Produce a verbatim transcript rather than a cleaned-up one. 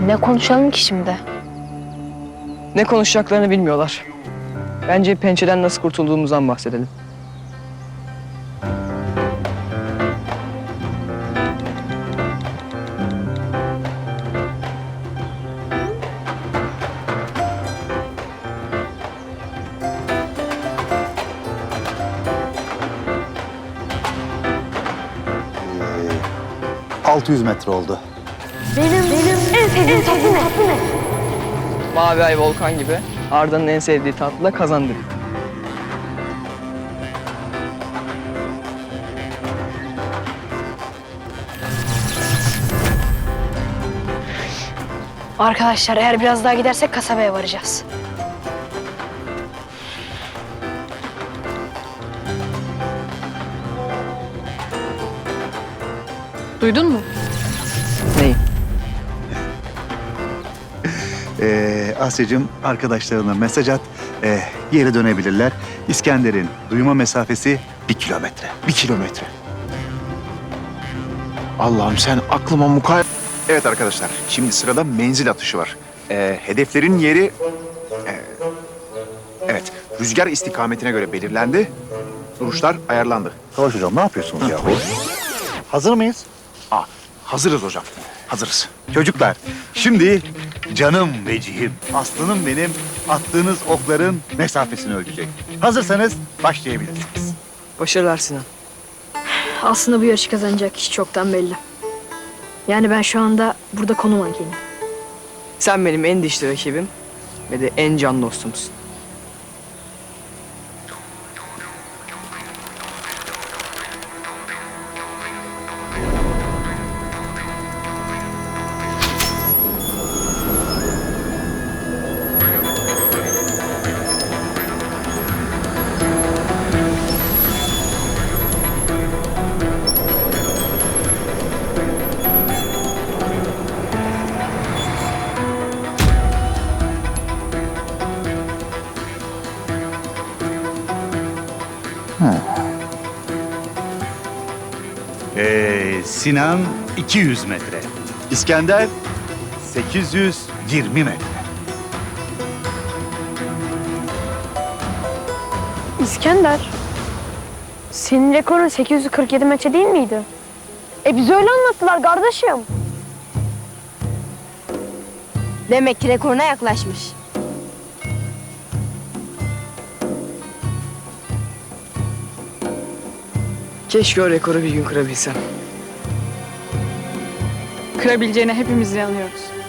Ne konuşalım ki şimdi? Ne konuşacaklarını bilmiyorlar. Bence pençeden nasıl kurtulduğumuzdan bahsedelim. altı yüz metre oldu. Benim, benim en sevdiğim tatlı ne? Mavi ay volkan gibi Arda'nın en sevdiği tatlı da kazandı. Arkadaşlar eğer biraz daha gidersek kasabaya varacağız. Duydun mu? Neyi? Ee, Asya'cığım arkadaşlarına mesaj at. Ee, geri dönebilirler. İskender'in duyma mesafesi bir kilometre. Bir kilometre. Allah'ım sen aklıma mukay... Evet arkadaşlar, şimdi sırada menzil atışı var. Ee, hedeflerin yeri... e, evet, rüzgar istikametine göre belirlendi. Duruşlar ayarlandı. Savaş hocam ne yapıyorsunuz yahu? Hazır mıyız? Aa, hazırız hocam, hazırız. Çocuklar, şimdi canım vecihim, aslanım benim attığınız okların mesafesini ölçecek. Hazırsanız başlayabilirsiniz. Başarılar Sinan. Aslında bu yarışı kazanacak kişi çoktan belli. Yani ben şu anda burada konu mankeyim. Sen benim en dişli rakibim ve de en can dostumsun. Ee, Sinan iki yüz metre. İskender sekiz yüz yirmi metre. İskender, senin rekorun sekiz yüz kırk yedi metre değil miydi? E bize öyle anlattılar kardeşim. Demek ki rekoruna yaklaşmış. Keşke o rekoru bir gün kırabilsem. Kırabileceğine hepimiz inanıyoruz.